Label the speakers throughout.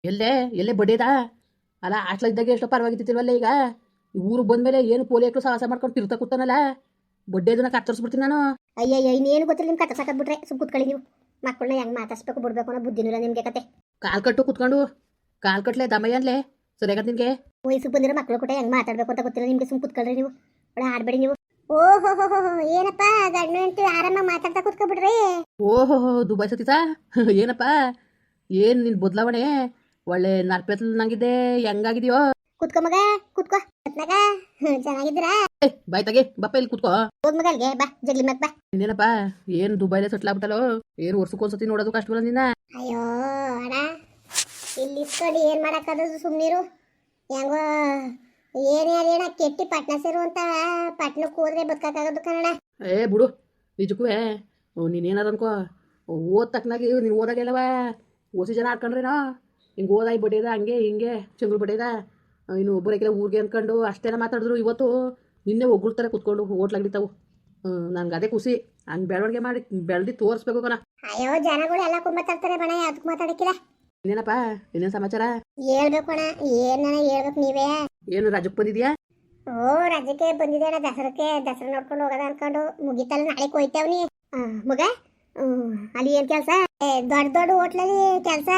Speaker 1: ಎಲ್ಲೇ ಎಲ್ಲೇ ಬಡ್ಡಿದ ಅಲ್ಲ ಹಾಸ್ಟ್ಲ ಇದ್ದಾಗ ಎಷ್ಟೋ ಪರವಾಗಿತ್ತಿಲ್ವಲ್ಲ ಈಗ ಊರಿಗೆ ಬಂದ್ಮೇಲೆ ಏನು ಪೋಲಿಯಕ್ಕೂ ಸಾಹಸ ಮಾಡ್ಕೊಂಡು ತಿರ್ತಾ ಕೂತಾನಲ್ಲ ಬಡ್ಡೆದನ್ನ ಕತ್ತರಿಸ್ಬಿಡ್ತೀನಿ ನಾನು.
Speaker 2: ಅಯ್ಯಯ್ಯ ಇನ್ನೇನು ಗೊತ್ತಿಲ್ಲ ನಿಮ್ಗೆ ಕಥ ಸಾಕದ್ಬಿಟ್ರೆ ಸುಮ್ ಕೂತ್ಕೊಳ್ಳಿ ನೀವು. ಮಕ್ಕಳನ್ನ ಹೆಂಗೆ ಮಾತಾಡ್ಸ್ಬೇಕು ಬಿಡ್ಬೇಕು ಅನ್ನೋ ಬುದ್ಧಿನಿಲ್ಲ ನಿಮಗೆ ಕತೆ.
Speaker 1: ಕಾಲ್ ಕಟ್ಟು ಕುತ್ಕೊಂಡು ಕಾಲ್ ಕಟ್ಲೆ ದಮಯ್ಯ ಅನ್ಲೆ ಸರಿಯಾಗತ್ ನಿನ್ಗೆ.
Speaker 2: ವಯಸ್ಸು ಬಂದಿರೋ ಮಕ್ಕಳು ಕೂಡ ಹೆಂಗೆ ಮಾತಾಡ್ಬೇಕು ಅಂತ ಗೊತ್ತಿಲ್ಲ ನಿಮ್ಗೆ. ಸುಮ್ ಕೂತ್ಕೊಳ್ರಿ ನೀವು, ಒಳ್ಳೆ ಆಡ್ಬೇಡಿ ನೀವು. ಓಹೋ ಏನಪ್ಪ ಗಂಡು ಹೆಂಡತಿ ಆರಾಮಾಗಿ ಮಾತಾಡ್ತಾ ಕೂತ್ಕೊಬಿಡ್ರಿ.
Speaker 1: ಓಹೋ ದುಬೈ ಸತೀತಾ ಏನಪ್ಪ ಏನು ನಿನ್ ಬದಲಾವಣೆ ಒಳ್ಳೆ ನರ್ಪೆತ್ಲ್ ನಂಗಿದ್ದೆ ಹೆಂಗಾಗಿದೆಯೋ.
Speaker 2: ಕುತ್ಕೋ ಮಗ ಕುತ್ಕೋ ಮಗ ಚೆನ್ನಾಗಿದ್ದೀರಾ?
Speaker 1: ಬಾಯ್ ತಗೆ ಬಪ್ಪ ಇಲ್ಲಿ ಕುತ್ಕೋ.
Speaker 2: ಹೋಗ್ ಮಗ ಅಲ್ಗೆ ಬಾ ಜಗ್ಲಿ ಮಗ್ ಬಾ.
Speaker 1: ಇನ್ನೇನಪ್ಪ ಏನು ದುಬೈಲೆ ಸೆಟ್ಲ್ ಆಗ್ಬಿಟ್ಟಲ್ಲೋ ಏನು ವರ್ಷಕ್ಕೊಂದ್ಸತಿ ನೋಡೋದು ಕಷ್ಟ ಬಲ್ಲ ನಿನ್ನ.
Speaker 2: ಅಯ್ಯೋ ಅಣ್ಣ ಇಲ್ಲಿ ಇಸ್ಕೊಂಡು ಏನು ಮಾಡೋಕ್ಕಾಗೋದು ಸುಮ್ಮನಿರು. ಹೆಂಗೋ ಏನೇ ಅದೇನ ಕೆಟ್ಟಿ ಪಟ್ನ ಸೇರು ಅಂತ ಪಟ್ನಕ್ಕೆ ಹೋದ್ರೆ ಬದುಕಾಗೋದು ಕನ್ನಡ.
Speaker 1: ಏ ಬಿಡು ನಿಜಕ್ಕೂ ನೀನೇನಾರು ಅನ್ಕೋ ಓದ್ ತಕ್ಕನಾಗಿ ನೀನು ಓದಾಗೆಲ್ಲವ ಓಸಿ ಜನ ಆಡ್ಕೊಂಡ್ರೇನೋ ಹಿಂಗೆ ಓದಾಯಿ ಬಡಿಯದ ಹಂಗೆ ಹಿಂಗೆ ಚಂಗ್ಳು ಬಡಿಯದ ಇನ್ನು ಒಬ್ಬರಿಗೆಲ್ಲ ಊರಿಗೆ ಅಂದ್ಕೊಂಡು ಅಷ್ಟೇನ ಮಾತಾಡಿದ್ರು ಇವತ್ತು ನಿನ್ನೆ ಒಗ್ಗಳ್ತಾರೆ ಕುತ್ಕೊಂಡು ಹೋಟ್ಲಾಗ್ಲಿತಾವು. ನನ್ಗೆ ಅದೇ ಖುಷಿ ಹಂಗೆ ಬೆಳವಣಿಗೆ ಮಾಡಿ ಬೆಳೆದು ತೋರಿಸ್ಬೇಕು ಕಣ.
Speaker 2: ಅಯ್ಯೋ ಜನಗಳು ಎಲ್ಲ ಮಾತಾಡ್ತಾರೆ ಬಣ ಅದಕ್ಕೆ ಮಾತಾಡಕ್ಕಿಲ್ಲ.
Speaker 1: ಇನ್ನೇನಪ್ಪ ಇನ್ನೇನು ಸಮಾಚಾರ
Speaker 2: ಹೇಳ್ಬೇಕು ಅಣ್ಣ ಏನ ಹೇಳ್ಬೇಕು ನೀವೇ.
Speaker 1: ಏನು ರಾಜಕ್ಕೆ ಬಂದಿದ್ಯಾ?
Speaker 2: ಓ ರಾಜ್ಯಕ್ಕೆ ಬಂದಿದೆ ಅಣ್ಣ ದಸರಾ ನೋಡ್ಕೊಂಡು ಹೋಗೋದ ಅನ್ಕೊಂಡು ಮುಗಿತಲ್ಲ ನಾಳೆ ಹೋಯ್ತಾವ್ನಿ ಮಗ. ಅಲ್ಲಿ ಏನ್ ಕೆಲಸ? ದೊಡ್ಡ ದೊಡ್ಡ ಹೋಟ್ಲಲ್ಲಿ ಕೆಲಸ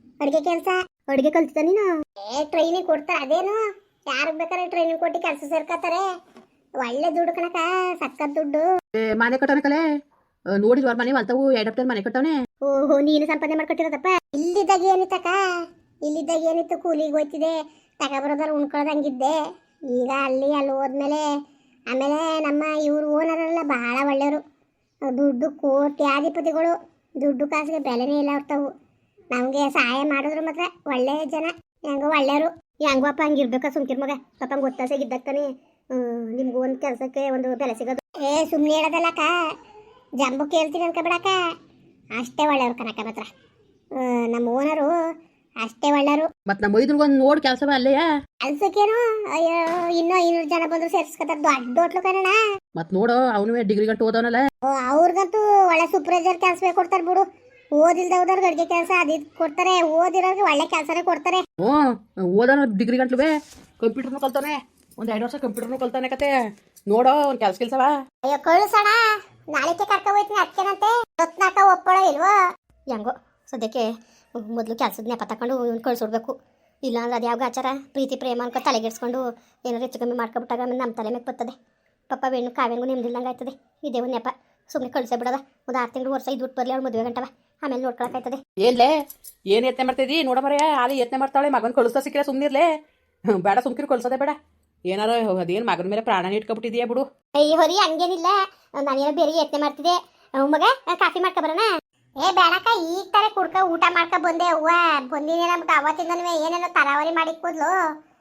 Speaker 2: ಅಡುಗೆ ಕಲ್ತಿದ್ದ ನೀನು? ಟ್ರೈನಿಂಗ್ ಕೊಡ್ತಾರೆ ಅದೇನು ಯಾರು ಬೇಕಾದ್ರೆ ಟ್ರೈನಿಂಗ್ ಕೊಟ್ಟು ಕೆಲಸ ಸೇರ್ಕತ್ತಾರೆ. ಒಳ್ಳೆ ದುಡ್ಡು ಕಣಕ ಸಕ್ಕತ್ ದುಡ್ಡು.
Speaker 1: ಮನೆ ಕಟ್ಟೋಣ ಕಲೆ ನೋಡಿದ್ವ ಮನೆ ಹೊಲ್ತಾವು ಎಡಪ್ಟರ್ ಮನೆ ಕಟ್ಟವನೆ.
Speaker 2: ಓಹೋ ನೀನು ಸಂಪಾದನೆ ಮಾಡ್ಕೊಟ್ಟಿರೋದಪ್ಪ. ಇಲ್ಲಿದ್ದಾಗ ಏನಿತ್ತಕ್ಕ ಇಲ್ಲಿದ್ದಾಗ ಏನಿತ್ತು ಕೂಲಿಗೆ ಹೋಯ್ತಿದೆ ತಗೊಬರೋದಾರ ಉಣ್ಕೊಳ್ಳೋದಂಗಿದ್ದೆ. ಈಗ ಅಲ್ಲಿ ಹೋದ್ಮೇಲೆ ಆಮೇಲೆ ನಮ್ಮ ಇವ್ರು ಓನರೆಲ್ಲ ಬಹಳ ಒಳ್ಳೆಯವರು. ದುಡ್ಡು ಕೋಟ್ಯಾಧಿಪತಿಗಳು. ದುಡ್ಡು ಕಾಸಿಗೆ ಬೆಲೆನೇ ಇಲ್ಲ ಅವ್ರತಾವು. ನಮಗೆ ಸಹಾಯ ಮಾಡಿದ್ರು ಮಾತ್ರ ಒಳ್ಳೆ ಜನ ಹೆಂಗೋ ಒಳ್ಳೆಯವರು. ಹೆಂಗಪ್ಪ ಹಂಗಿರ್ಬೇಕ ಸುಮ್ಕಿರ್ ಮಗ ಪಾಪ ಗೊತ್ತಾಸಾಗಿದ್ದಾಗ್ತಾನೆ ನಿಮ್ಗೆ ಒಂದು ಕೆಲಸಕ್ಕೆ ಒಂದು ಬೆಲೆ ಸಿಗೋದು. ಸುಮ್ಮನೆ ಹೇಳೋದಲ್ಲಕ್ಕ ಜಂಬು ಕೇಳ್ತೀನಿ ಅನ್ಕೊಬೇಡಕ್ಕ. ಅಷ್ಟೇ ಒಳ್ಳೆಯವ್ರು ಕನಕ ಮಾತ್ರ ನಮ್ಮ ಓನರು ಅಷ್ಟೇ ಒಳ್ಳೆಯವರು.
Speaker 1: ಮತ್ ನಮ್ಮ ಮೈದನ್ಗೊಂದು ನೋಡ್ ಕೆಲಸವ ಅಲ್ಲೆಯಾ
Speaker 2: ಕೆಲ್ಸಕ್ಕೇನು ಅಯ್ಯೋ ಇನ್ನೂ 500 ಜನ ಬಂದ್ರು ಸೇರಿಸ್ಕೊತಾರೆ ದೊಡ್ಡ ಹೋಟ್ಲು ಕಣ.
Speaker 1: ಮತ್ ನೋಡು ಅವನು ಡಿಗ್ರಿ ಗಂಟು ಓದವನಲ್ಲ.
Speaker 2: ಅವ್ರಿಗಂತೂ ಒಳ್ಳೆ ಸೂಪರ್ವೈಸರ್ ಕೆಲಸವೇ ಕೊಡ್ತಾರೆ ಬಿಡು. ಓದಿಲ್ದವ್ರಿಗೆ ಅಡುಗೆ ಕೆಲಸ ಅದು ಕೊಡ್ತಾರೆ, ಓದಿರೋರಿಗೆ ಒಳ್ಳೆ ಕೆಲಸನೇ ಕೊಡ್ತಾರೆ.
Speaker 1: ಓದೋನು ಡಿಗ್ರಿ ಗಂಟ್ಲುವೆ ಕಂಪ್ಯೂಟರ್ನು ಕಲ್ತಾನೆ, ಒಂದು 2 ವರ್ಷ ಕಂಪ್ಯೂಟರ್ನು ಕಲ್ತಾನೆ ಕತೆ. ನೋಡೋ ಒಂದು ಕೆಲ್ಸವ.
Speaker 2: ಅಯ್ಯೋ ಕಳಿಸೋಣ ನಾಳೆ ಕರ್ಕೊ ಹೋಯ್ತೀನಿ ಅದಕ್ಕೇನಂತೆ. ಹೊತ್ನಾಕ ಒಪ್ಪಳೋ ಇಲ್ವೋ ಹೆಂಗೋ ಸದ್ಯಕ್ಕೆ ಮೊದಲು ಕೆಲಸದ ನೆಪ ತಗೊಂಡು ಇವ್ನು ಕಳ್ಸೋಡ್ಬೇಕು. ಇಲ್ಲಾಂದ್ರೆ ಅದು ಯಾವ ಆಚಾರ ಪ್ರೀತಿ ಪ್ರೇಮ ಅನ್ಕೊ ತಲೆಗೆಡ್ಸ್ಕೊಂಡು ಏನಾದ್ರು ಹೆಚ್ಚು ಕಮ್ಮಿ ಮಾಡ್ಕೊಬಿಟ್ಟಾಗ ಆಮೇಲೆ ನಮ್ಮ ತಲೆ ಮೇಲೆ ಬರ್ತದೆ. ಪಾಪ ಹೆಣ್ಣು ಕಾವ್ಯಂಗೂ ನೆಮ್ಮದಿಲ್ಲಂಗೆ ಆಯ್ತದೆ. ಇದೇ ಒಂದು ನೆಪ ಸುಮ್ಮನೆ ಕಳಿಸೇ ಬಿಡೋದ. ಒಂದು 6 ತಿಂಗಳು ವರ್ಷ ಇದು ಬಿಟ್ಟು ಬರಲಿ ಅವ್ಳು ಮದುವೆ ಗಂಟವ ಆಮೇಲೆ ನೋಡ್ಕೊಳಕಾಯ್ತದೆ.
Speaker 1: ಏನ್ಲೇ ಏನು ಯತ್ನೆ ಮಾಡ್ತಿದ್ದಿ ನೋಡ ಮರೆಯ ಅಲ್ಲಿ ಯತ್ನೆ ಮಾಡ್ತಾಳೆ. ಮಗನ ಕಳಿಸ್ತಾ ಸಿಕ್ಕಿರ ಸುಮ್ಮನಿರ್ಲೆ ಬೇಡ ಸುಮ್ಕಿರು ಕಳ್ಸೋದೆ ಬೇಡ. ಏನಾರ ಅದೇನು ಮಗನ ಮೇಲೆ ಪ್ರಾಣ ಇಟ್ಕೊಬಿಟ್ಟಿದೀಯಾ ಬಿಡು.
Speaker 2: ಅಯ್ಯ ಹೊರಿ ಹಂಗೇನಿಲ್ಲ ನಾನೇನೋ ಬೇರೆ ಯತ್ನೆ ಮಾಡ್ತಿದ್ದೆ. ಮಗ ಕಾಫಿ ಮಾಡ್ಕೊ ಬರೋಣ? ಬೇಡಕ್ಕ ಈಗ ತಾರೆ ಕುಡ್ಕ ಊಟ ಮಾಡ್ಕೊ ಬಂದೆ. ಅವ್ವ ಬಂದಿನಿ ನಮ್ಗೆ ಅವತ್ತಿಂದನೂ ಏನೇನೋ ತರಾವರಿ ಮಾಡಿ ಕೂದ್ಲು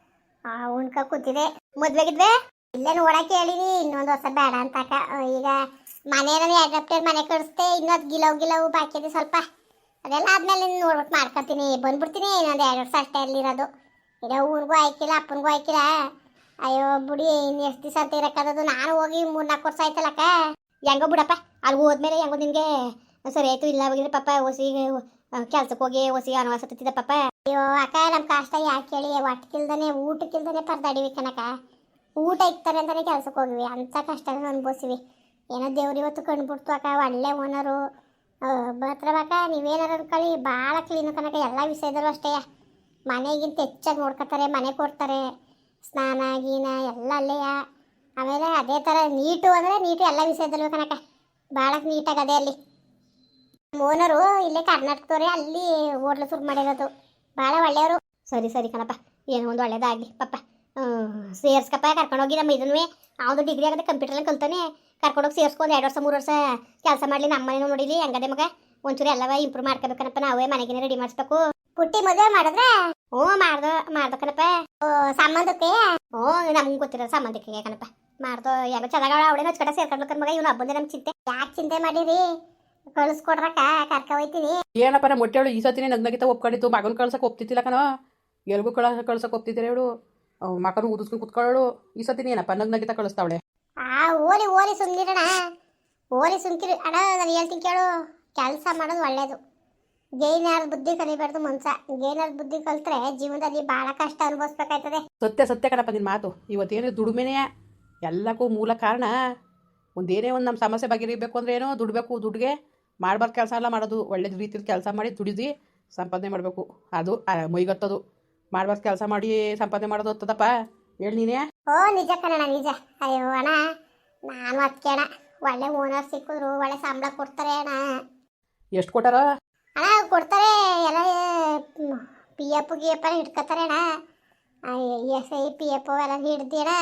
Speaker 2: ಉಣ್ಕ ಕೂತಿದೆ. ಮದ್ವೆಗಿದ್ವೆ ಇಲ್ಲೇ ನೋಡಕ್ಕೆ ಹೇಳಿನಿ ಇನ್ನೊಂದು ವರ್ಷ ಬೇಡ ಅಂತಕ. ಈಗ ಮನೇನ ಅಡಾಪ್ಟರ್ ಮನೆ ಕಳಿಸ್ತೆ ಇನ್ನೊಂದು ಗಿಲವು ಬಾಕಿ ಇದೆ ಸ್ವಲ್ಪ. ಅದೆಲ್ಲ ಆದ್ಮೇಲೆ ನೋಡ್ಬಿಟ್ಟು ಮಾಡ್ಕೊತೀನಿ ಬಂದ್ಬಿಡ್ತೀನಿ. ಇನ್ನೊಂದು 2 ವರ್ಷ ಅಷ್ಟೇ ಅಲ್ಲಿರೋದು. ಈಗ ಊರಿಗೂ ಆಯ್ಕಿಲ್ಲ ಅಪ್ಪನಿಗೂ ಆಯ್ಕಿಲ್ಲ. ಅಯ್ಯೋ ಬಿಡಿ ಇನ್ನು ಎಷ್ಟು ದಿವಸ ಅಂತ ಇರಕ್ಕಾದದು. ನಾನು ಹೋಗಿ 3-4 ವರ್ಷ ಆಯ್ತಲ್ಲಕ್ಕ. ಹೆಂಗೋ ಬಿಡಪ್ಪ ಅಲ್ಲಿ ಹೋದ್ಮೇಲೆ ಹೆಂಗೋ ನಿನ್ಗೆ ಸರಿ ಆಯ್ತು. ಇಲ್ಲ ಹೋಗಿದ್ರೆ ಪಾಪ ಹೊಸಿ ಕೆಲ್ಸಕ್ಕೆ ಹೋಗಿ ಹೊಸಿ ಅನವಾಸ ತತ್ತಿದ್ದ ಪಾಪ. ಅಯ್ಯೋ ಅಕ್ಕ ನಮ್ಮ ಕಷ್ಟ ಯಾಕೆ ಹೇಳಿ ಒಟ್ಟಕ್ಕಿಲ್ದಾನೆ ಊಟಕ್ಕಿಲ್ದಾನೆ ಪರದಾಡಿವಿ ಕನಕ. ಊಟ ಇಕ್ತಾರೆ ಅಂತಾನೆ ಕೆಲ್ಸಕ್ಕೆ ಹೋಗಿವಿ ಅಂತ ಕಷ್ಟ ಅನ್ಭವಿಸಿವಿ. ಏನೋ ದೇವ್ರು ಇವತ್ತು ಕಂಡುಬಿಡ್ತು ಅಕ್ಕ. ಒಳ್ಳೆ ಓನರು ಬರ್ತಾರಕ್ಕ. ನೀವೇನಾರು ಅನ್ಕೊಳ್ಳಿ ಭಾಳ ಕ್ಲೀನು ಕನಕ. ಎಲ್ಲ ವಿಷಯದಲ್ಲೂ ಅಷ್ಟೇ ಮನೆಗಿಂತ ಹೆಚ್ಚಾಗಿ ನೋಡ್ಕೊತಾರೆ. ಮನೆ ಕೊಡ್ತಾರೆ, ಸ್ನಾನ ಗೀನ ಎಲ್ಲ ಅಲ್ಲೇಯ. ಆಮೇಲೆ ಅದೇ ಥರ ನೀಟು ಅಂದರೆ ನೀಟು ಎಲ್ಲ ವಿಷಯದಲ್ಲೂ ಕನಕ. ಭಾಳ ನೀಟಾಗಿ ಅದೇ ಅಲ್ಲಿ ಓನರು ಇಲ್ಲೇ ಕರ್ನಾಟಕದವ್ರೆ. ಅಲ್ಲಿ ಹೋಟ್ಲು ಶುರು ಮಾಡಿರೋದು. ಭಾಳ ಒಳ್ಳೆಯವರು. ಸರಿ ಕಣಪ್ಪ ಏನೋ ಒಂದು ಒಳ್ಳೇದಾಗಲಿ ಪಾಪ. ಸೇರ್ಸ್ಕಪ್ಪ ಕರ್ಕೊಂಡೋಗಿ ನಮ್ಮ ಇದನ್ನೇ ಅವನು ಡಿಗ್ರಿ ಆಗದೆ ಕಂಪ್ಯೂಟರ್ನ ಕಲ್ತಾನೆ. ಕರ್ಕೊಂಡೋಗಿ ಸೇರ್ಸ್ಕೊಂಡು 2 ವರ್ಷ 3 ವರ್ಷ ಕೆಲಸ ಮಾಡಲಿ. ನಮ್ಮ ಮನೇನೂ ನೋಡಿಲಿ ಹೆಂಗದೆ ಮಗ. ಒಂಚೂರು ಎಲ್ಲವ ಇಂಪ್ರೂವ್ ಮಾಡ್ಕೋಬೇಕನಪ್ಪ. ನಾವೇ ಮನೆಗೇನೆ ರೆಡಿ ಮಾಡಿಸ್ಬೇಕು. ಪುಟ್ಟಿ ಮದುವೆ ಮಾಡಿದ್ರೆ ಮಾಡ್ದಕನಪ್ಪ. ಸಂಬಂಧಕ್ಕೆ ನಮ್ಗೆ ಗೊತ್ತಿರೋ ಸಂಬಂಧಕ್ಕೆ ಕಣಪ್ಪ ಮಾಡ್ದೋ. ಯಾಕೋ ಚೆನ್ನಾಗ ಅವಳೇ ನಚ್ಕಟ ಸೇರ್ಕೊಂಡ್ಬೇಕನ್ ಮಗ. ಇವ್ನು ಹಬ್ಬಂದೆ ನಮ್ಗೆ ಚಿಂತೆ ಯಾಕೆ ಚಿಂತೆ ಮಾಡಿರಿ. ಕಳಿಸ್ಕೊಡ್ರಕ್ಕ ಕರ್ಕ ಹೋಯ್ತೀನಿ.
Speaker 1: ಏನಪ್ಪ ನಮ್ಮ ಮೊಟ್ಟೆವಳು ಈ ಸತಿನೇ ನಗ್ನಗಿತ ಒಪ್ಕೊಂಡಿತ್ತು. ಮಗನ ಕಳ್ಸಕ್ಕೆ ಒಪ್ತಿತ್ತಿಲ್ಲ ಕಣೋ. ಎಲ್ಗೂ ಕಳ್ಸಕ್ಕೆ ಒಪ್ತಿದ್ದೀರ ಹೇಳು. ಮಕನು ಊದಿಸ್ಕೊಂಡು ಕುತ್ಕೊಳ್ಳೋಳು. ಈ ಸತಿನೇ ಏನಪ್ಪ ನಗ್ನಗಿತ ಕಳಿಸ್ತಾವಳೆ.
Speaker 2: ಓಲಿ ಸುಮ್ನಿರಣ. ಓಲಿ ಸುಮ್ಕಿರಿ ಅಣ್ಣ. ನಾನು ಹೇಳ್ತೀನಿ ಕೇಳು. ಕೆಲಸ ಮಾಡೋದು ಒಳ್ಳೇದು. ಗೇಯ್ನಾರ್ ಬುದ್ಧಿ ಕಲಿಬಾರ್ದು ಮನ್ಸ. ಗೇಯ್ನಾರ್ ಬುದ್ಧಿ ಕಲ್ತ್ರೆ ಜೀವನದಲ್ಲಿ ಭಾಳ ಕಷ್ಟ ಅನುಭವಿಸ್ಬೇಕಾಯ್ತದೆ.
Speaker 1: ಸತ್ಯ ಸತ್ಯ ಕಣಪ್ಪ ನಿನ್ನ ಮಾತು. ಇವತ್ತೇನು ದುಡಿಮೆನೇ ಎಲ್ಲಕ್ಕೂ ಮೂಲ ಕಾರಣ. ಒಂದೇನೇ ಒಂದು ನಮ್ಮ ಸಮಸ್ಯೆ ಬಗೆಹರಿಬೇಕು ಅಂದ್ರೆ ಏನೋ ದುಡ್ಬೇಕು. ದುಡ್ಡಿಗೆ ಮಾಡ್ಬಾರ್ದು ಕೆಲಸ ಎಲ್ಲ ಮಾಡೋದು. ಒಳ್ಳೆ ರೀತಿಯಲ್ಲಿ ಕೆಲಸ ಮಾಡಿ ದುಡಿದು ಸಂಪಾದನೆ ಮಾಡಬೇಕು. ಅದು ಮೈಗತ್ತದು. ಮಾಡ್ಬಾರ್ದು ಕೆಲಸ ಮಾಡಿ ಸಂಪಾದನೆ ಮಾಡೋದು ಹೊತ್ತದಪ್ಪ. ಹೇಳಿ ನೀನೇ.
Speaker 2: ಓ ನಿಜ ಕಣಣ್ಣ, ನಿಜ. ಅಯ್ಯೋ ಅಣ್ಣ, ನಾನು ಅದಕ್ಕೆ ಅಣ್ಣ ಒಳ್ಳೆ ಓನರ್ ಸಿಕ್ಕಿದ್ರು ಒಳ್ಳೆ ಸಂಬಳ ಕೊಡ್ತಾರೆ ಅಣ್ಣ.
Speaker 1: ಎಷ್ಟು ಕೊಟ್ಟಾರ
Speaker 2: ಅಣ್ಣ? ಕೊಡ್ತಾರೆ ಎಲ್ಲ. ಪಿ ಎಫ್ ಗಿ ಎಫ್ ಎಲ್ಲ ಹಿಡ್ಕೊತಾರೆ ಅಣ್ಣ. ಎಸ್ ಐ ಪಿ ಎಫ್ ಎಲ್ಲ ಹಿಡ್ದು ಅಣ್ಣ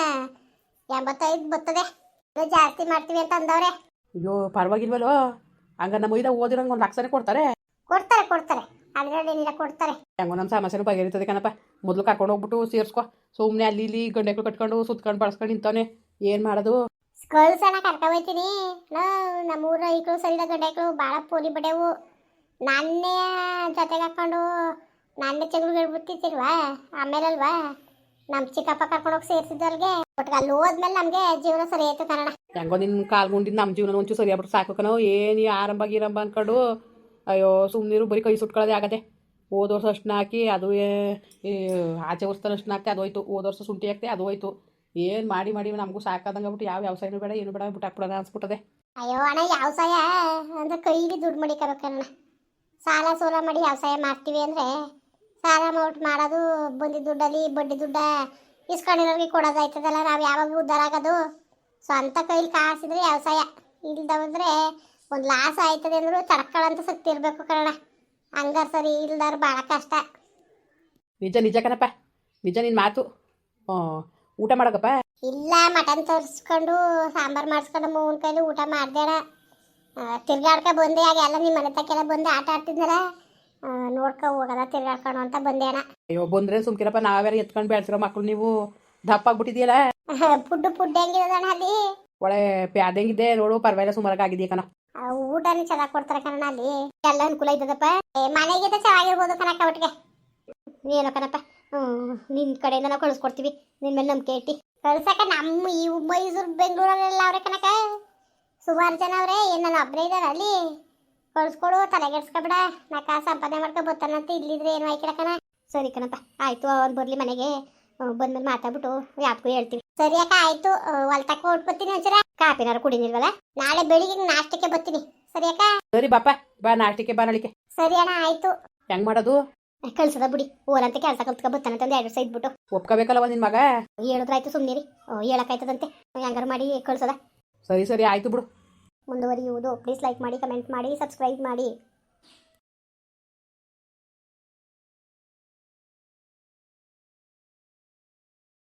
Speaker 2: 85 ಬರ್ತದೆ. ಜಾಸ್ತಿ ಮಾಡ್ತೀವಿ ಅಂತ ಅಂದವ್ರೆ.
Speaker 1: ಅಯ್ಯೋ ಪರವಾಗಿಲ್ವಲ್ಲೋ. ಹಂಗ ನಮ್ಮ ಇದಾಗ ಓದಿರಂಗೆ 1 ಲಕ್ಷನೇ ಕೊಡ್ತಾರೆ.
Speaker 2: ಕೊಡ್ತಾರೆ ಕೊಡ್ತಾರೆ, ಅದರಲ್ಲೇನಿಲ್ಲ, ಕೊಡ್ತಾರೆ.
Speaker 1: ಹೆಂಗೋ ನಮ್ಮ ಸಮಸ್ಯೆನೂ ಬಗೆಹರಿತದೆ ಕಣಪ್ಪ. ಮೊದಲು ಕರ್ಕೊಂಡು ಹೋಗ್ಬಿಟ್ಟು ಸೇರಿಸ್ಕೊ. ಸುಮ್ಮನೆ ಅಲ್ಲಿ ಇಲ್ಲಿ ಗಂಡೆಗಳು ಕಟ್ಕೊಂಡು ಸುತ್ಕೊಂಡು ಬಳಸ್ಕೊಂಡು ನಿಂತವನೆ. ಏನು ಮಾಡೋದು?
Speaker 2: ಕಳ್ಸೋಣ, ಕರ್ಕೊ ಹೋಯ್ತೀನಿ. ನಮ್ಮೂರ ಐಕ್ಳು ಸರಿದ ಗಂಡೆಗಳು ಭಾಳ ಪೋಲಿ ಬಡೆವು. ನನ್ನೇ ಜೊತೆಗೆ ಹಾಕ್ಕೊಂಡು ನನ್ನೇ ಚೆಗಳು ಹೇಳ್ಬಿಟ್ಟಿರ್ತಿಲ್ವಾ? ಆಮೇಲಲ್ವಾ ನಮ್ಮ ಚಿಕ್ಕಪ್ಪ ಕರ್ಕೊಂಡೋಗಿ ಸೇರಿಸಿದ್ದವ್ರಿಗೆ. ಒಟ್ಟಿಗೆ ಅಲ್ಲಿ ಹೋದ್ಮೇಲೆ ನಮಗೆ ಜೀವನ ಸರಿ ಆಯ್ತು ಕನ್ನಡ.
Speaker 1: ಹೆಂಗೋ ನಿನ್ನ ಕಾಲ್ಗುಂಡಿದ್ದು ನಮ್ಮ ಜೀವನ ಒಂಚೂರು ಸರಿಯಾಗ್ಬಿಟ್ಟು ಸಾಕು ಕಣೋ. ಏನು ಆರಂಭ ಗೀರಂಭ ಅಂದ್ಕೊಂಡು ಅಯ್ಯೋ ಸುಮ್ಮನಿರು. ಬರೀ ಕೈ ಸುಟ್ಕೊಳ್ಳೋದೇ ಆಗತ್ತೆ. ಹೋದ ವರ್ಷ ಅಷ್ಟನ್ನ ಹಾಕಿ ಅದು ಆಚೆ ವರ್ಷದ ಅಷ್ಟನ್ನ ಹಾಕ್ತೆ ಅದು ಹೋಯ್ತು. ಹೋದ ವರ್ಷ ಶುಂಠಿ ಹಾಕ್ತೆ ಅದು ಹೋಯ್ತು. ಏನು ಮಾಡಿ ಮಾಡಿ ನಮಗೂ ಸಾಕಾದಂಗೆ ಆಗ್ಬಿಟ್ಟು ಯಾವ ವ್ಯವಸಾಯನೂ ಬೇಡ, ಏನು ಬೇಡ, ಬಿಟ್ಟು ಹಾಕ್ಬಿಡೋಣ ಅನ್ಸ್ಬಿಟ್ಟದೆ.
Speaker 2: ಅಯ್ಯೋ ಅಣ್ಣ, ವ್ಯವಸಾಯ ಅಂದ್ರೆ ಕೈಲಿ ದುಡ್ಡು ಮಡಿಕೋಬೇಕಣ್ಣ. ಸಾಲ ಸೋಲ ಮಾಡಿ ವ್ಯವಸಾಯ ಮಾಡ್ತೀವಿ ಅಂದರೆ ಸಾಲ ಮಾಡೋದು, ಬಂದಿದ್ದ ದುಡ್ಡಲ್ಲಿ ಬಡ್ಡಿ ದುಡ್ಡ ಇಸ್ಕೊಂಡಿರೋರಿಗೆ ಕೊಡೋದಾಯ್ತದಲ್ಲ. ನಾವು ಯಾವಾಗ ಉದ್ಧಾರ ಆಗೋದು? ಸ್ವಂತ ಕೈಲಿ ಕಾಸಿದ್ರೆ ವ್ಯವಸಾಯ. ಇಲ್ದವಂದ್ರೆ ಒಂದು ಲಾಸ್ ಆಯ್ತದೆ ಅಂದರೂ ತಡ್ಕೊಳ್ಳೋಂಥ ಶಕ್ತಿ ಇರಬೇಕು ಕನ್ನಡ. ಹಂಗಾರೆ ಸರಿ, ಇಲ್ದಾರ ಭಾಳ ಕಷ್ಟ.
Speaker 1: ನಿಜ ನಿಜ ಕಣಪ್ಪ, ನಿಜ ನಿನ್ನ ಮಾತು. ಊಟ ಮಾಡೋಕಪ್ಪ?
Speaker 2: ಇಲ್ಲ, ಮಟನ್ ತರಿಸ್ಕೊಂಡು ಸಾಂಬಾರು ಮಾಡಿಸ್ಕೊಂಡು ಮೂವನ ಕೈಲಿ ಊಟ ಮಾಡ್ದೇಣ. ತಿರ್ಗಾಡ್ಕೊ ಬಂದೆ. ಆಗ ಎಲ್ಲ ನಿಮ್ಮ ಮನೆ ತಕ್ಕೆಲ್ಲ ಬಂದು ಆಟ ಆಡ್ತಿದ್ನಲ್ಲ, ನೋಡ್ಕೊ ಹೋಗೋದ ತಿರ್ಗಾಡ್ಕೊಂಡು ಅಂತ ಬಂದೆ ಅಣ್ಣ.
Speaker 1: ಅಯ್ಯೋ ಬಂದ್ರೆ ಸುಮ್ಕಿರಪ್ಪ. ನಾವ್ಯಾರು ಎತ್ಕೊಂಡು ಬೆಳೆಸಿರೋ ಮಕ್ಕಳು ನೀವು. ದಪ್ಪ ಆಗ್ಬಿಟ್ಟಿದೆಯಲ್ಲ.
Speaker 2: ಫುಡ್ ಹೆಂಗಿರೋದಣ್ಣ ಅಲ್ಲಿ?
Speaker 1: ಒಳ್ಳೆ ಪ್ಯಾದಂಗಿದ್ದೆ ನೋಡು. ಪರವಾಗಿಲ್ಲ, ಸುಮಾರಾಗಿದೆಯಾ ಕಣ.
Speaker 2: ಊಟನೇ ಚೆನ್ನಾಗಿ ಕೊಡ್ತಾರೆ ಕಣ ಅಲ್ಲಿ. ಎಲ್ಲ ಅನುಕೂಲ ಇದ್ದದಪ್ಪ. ಮನೆಗಿಂತ ಚೆನ್ನಾಗಿರ್ಬೋದು ಕಣಕ್ಕ ಒಟ್ಟಿಗೆ. ಏನೋ ಕಣಪ್ಪ, ನಿನ್ನ ಕಡೆಯಿಂದ ನಾವು ಕಳಿಸ್ಕೊಡ್ತೀವಿ. ನಿನ್ನ ಮೇಲೆ ನಂಬಿಕೆ ಇಟ್ಟು ಕಳ್ಸಕ್ಕ. ನಮ್ಮ ಈ ಮೈಸೂರು ಬೆಂಗಳೂರಲ್ಲೆಲ್ಲ ಅವ್ರೆ ಕಣಕ್ಕ, ಸುಮಾರು ಜನ ಅವ್ರೆ. ಏನು ನಾನು ಒಬ್ಬರೇ ಇದ್ದಾರೆ ಅಲ್ಲಿ. ಕಳ್ಸ್ಕೊಡು, ತಲೆಗೆಡ್ಸ್ಕೊಬೇಡ. ನಾ ಸಂಪಾದನೆ ಮಾಡ್ಕೊ ಬರ್ತಾನಂತ. ಇಲ್ಲಿದ್ರೆ ಏನು ಆಯ್ಕಿಲ್ಲ ಕಣ. ಸರಿ ಕಣಪ್ಪ, ಆಯಿತು. ಅವ್ನು ಬರಲಿ ಮನೆಗೆ. ಬಂದ್ಮೇಲೆ ಮಾತಾಡ್ಬಿಟ್ಟು ಯಾಕೂ ಹೇಳ್ತೀವಿ. ಸರಿ ಅಕ್ಕ, ಆಯಿತು. ಹೊಲ್ತಕ್ಕ ಹೊಟ್ಬರ್ತೀನಿ. ಒಂಚೂರ ಕಾಪಿನಾರು ಕುಡಿನಿಲ್ವಲ್ಲ? ನಾಳೆ ಬೆಳಿಗ್ಗೆ ನಾಷ್ಟಕ್ಕೆ ಬರ್ತೀನಿ. ಸರಿ ಅಕ್ಕ? ಸರಿ
Speaker 1: ಬಾಪ, ಬಾ ನಾಷ್ಟಕ್ಕೆ ಬಾ ನಾಳಿಕೆ.
Speaker 2: ಸರಿ ಅಣ್ಣ, ಆಯಿತು.
Speaker 1: ಹೆಂಗ್ ಮಾಡೋದು?
Speaker 2: ಕಳ್ಸದ ಬಿಡಿ. ಓರಂತೆ ಕೆಲಸ ಕಲ್ತ್ಕೊ ಬರ್ತಾನಂತ 2 ವರ್ಷ ಇದ್ಬಿಟ್ಟು.
Speaker 1: ಒಪ್ಕೋಬೇಕಲ್ಲವ ನಿನ್ನ ಮಗ?
Speaker 2: ಹೇಳಿದ್ರಾಯ್ತು, ಸುಮ್ಮನಿರಿ. ಹೇಳಕ್ಕಾಯ್ತದಂತೆ. ಹೆಂಗಾರು ಮಾಡಿ ಕಳ್ಸದ.
Speaker 1: ಸರಿ ಸರಿ ಆಯ್ತು ಬಿಡು.
Speaker 2: ಮುಂದುವರಿಯುವುದು. ಪ್ಲೀಸ್ ಲೈಕ್ ಮಾಡಿ, ಕಮೆಂಟ್ ಮಾಡಿ, ಸಬ್ಸ್ಕ್ರೈಬ್ ಮಾಡಿ.